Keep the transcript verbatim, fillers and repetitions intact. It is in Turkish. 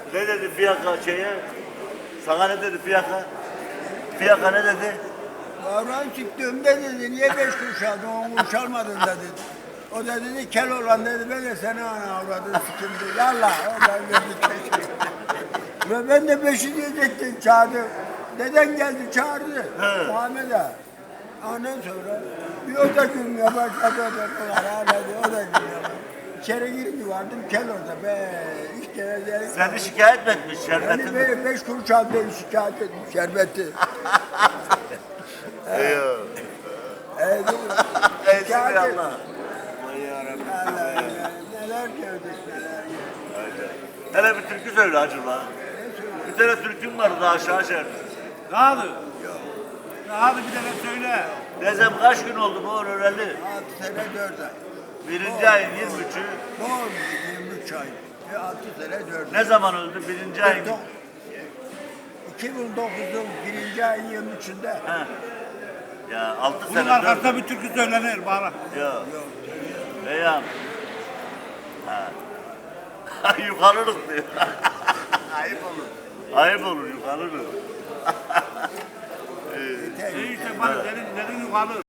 Ne dedi fiyaka şeye? Sana ne dedi fiyaka? Fiyaka ne dedi? Davran çıktığımda dedi, niye beş kuruş aldın, on kuruş almadın da dedi. O da dedi, kel olan dedi, ben de seni ana avradın sikimdi. Yallah, o da verdi keşke. Ve ben de beşi diyecektim, çağırdı. Deden geldi, çağırdı. Muhammed ağa. Ondan sonra bir o da gülmeye başladı, o da hala o da gülmeye başladı. İçeri girince vardım, kel orada be. İlk kere dedik. Seni şikayet mi etmiş Yani şerbetin? böyle beş kuruş aldı, şikayet etmiş şerbeti. Eyvallah. Evet, Ey şikayet Allah. etmiş. Vay yarabbim. Allah Allah, neler gördük neler. Hele bir türkü söyle acaba. Bir tane türküm vardı daha aşağı şerdi. Rahatı. Rahatı bir tane söyle. Nezem kaç gün oldu bu öğrenli? Altı sene dört ay. Birinci ayın yirmi üçü. Doğru yirmi üç ay. Ve altı sene dört ay. Ne zaman öldü? Birinci ayın. iki bin dokuzun birinci ayın yirmi üçünde. He. Ya altı Bunun sene arkasında dört. bir türkü söylenir bana. Yok. Yok. Beyam. Ha. Yukarılık diyor. Ayıp olur. Ayıp olur yukarılık. Yeter. İşte bana derin derin yukarı.